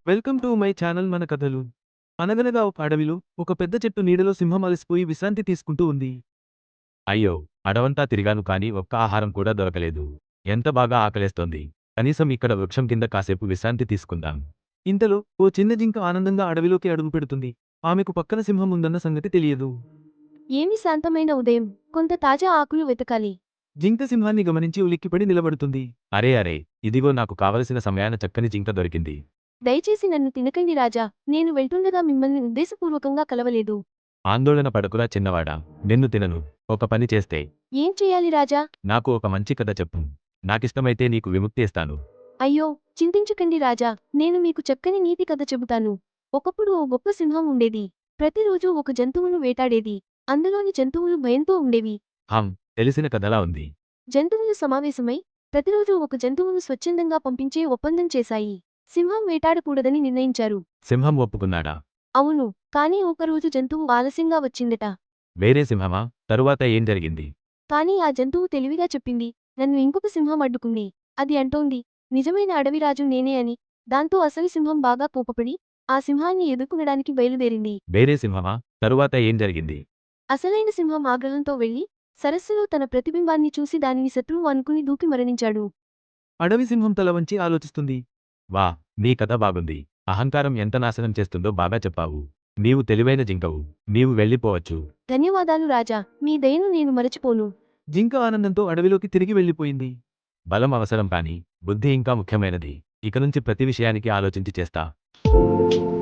Welcome to my channel మన కథలు. అనగనగా ఒక అడవిలో ఒక పెద్ద చెట్టు నీడలో సింహం అలసిపోయి విశ్రాంతి తీసుకుంటూ ఉంది. అయ్యో! అడవంతా తిరిగాను కానీ ఒక్క ఆహారం కూడా దొరకలేదు. ఎంత బాగా ఆకలేస్తోంది. కనీసం ఇక్కడ వృక్షం కింద కాసేపు విశ్రాంతి తీసుకుందాం. ఇంతలో ఓ చిన్న జింక ఆనందంగా అడవిలోకి అడుగుపెడుతుంది. ఆమెకు పక్కన సింహం ఉందన్న సంగతి తెలియదు. ఏమి శాంతమైన ఉదయం, కొంత తాజా ఆకులు వెతకాలి. జింక సింహాన్ని గమనించి ఉలిక్కిపడి నిలబడుతుంది. అరే అరే! ఇదిగో నాకు కావలసిన సమయాన చక్కని జింక దొరికింది. దయచేసి నన్ను తినకండి రాజా, నేను వెళ్తుండగా మిమ్మల్ని ఉద్దేశపూర్వకంగా కలవలేదు. ఆందోళన పడకురా చిన్నవాడా, నిన్ను తినను. ఒక పని చేస్తే ఏం చెయ్యాలి రాజా? నాకు ఒక మంచి కథ చెప్పు. నాకిష్టమైతే నీకు విముక్తి ఇస్తాను. అయ్యో, చింతించకండి రాజా, నేను మీకు చక్కని నీతి కథ చెబుతాను. ఒకప్పుడు ఓ గొప్ప సింహం ఉండేది. ప్రతిరోజూ ఒక జంతువును వేటాడేది. అందులోని జంతువులు భయంతో ఉండేవి. తెలిసిన కథలా ఉంది. జంతువులు సమావేశమై ప్రతిరోజూ ఒక జంతువును స్వచ్ఛందంగా పంపించే ఒప్పందం చేశాయి. సింహం వేటాడకూడదని నిర్ణయించారు. సింహం ఒప్పుకున్నాడా? అవును, కానీ ఒకరోజు జంతువు ఆలస్యంగా వచ్చిందట. వేరే సింహమా? తరువాత ఏం జరిగింది? కానీ ఆ జంతువు తెలివిగా చెప్పింది, నన్ను ఇంకొక సింహం అడ్డుకుంది. అది అంటోంది, నిజమైన అడవిరాజు నేనే అని. దాంతో అసలు సింహం బాగా కోపపడి ఆ సింహాన్ని ఎదుర్కొనడానికి బయలుదేరింది. వేరే సింహమా? తరువాత ఏం జరిగింది? అసలైన సింహం ఆగ్రహంతో వెళ్లి సరస్సులో తన ప్రతిబింబాన్ని చూసి దానిని శత్రువు అనుకుని దూకి మరణించాడు. అడవి సింహం తల వంచి ఆలోచిస్తుంది. వా! నీ కథ బాగుంది. అహంకారం ఎంత నాశనం చేస్తుందో బాగా చెప్పావు. నీవు తెలివైన జింకవు. నీవు వెళ్ళిపోవచ్చు. ధన్యవాదాలు రాజా, మీ దయను నేను మరచిపోను. జింక ఆనందంతో అడవిలోకి తిరిగి వెళ్ళిపోయింది. బలం అవసరం కానీ బుద్ధి ఇంకా ముఖ్యమైనది. ఇకనుంచి ప్రతి విషయానికి ఆలోచించి చేస్తా.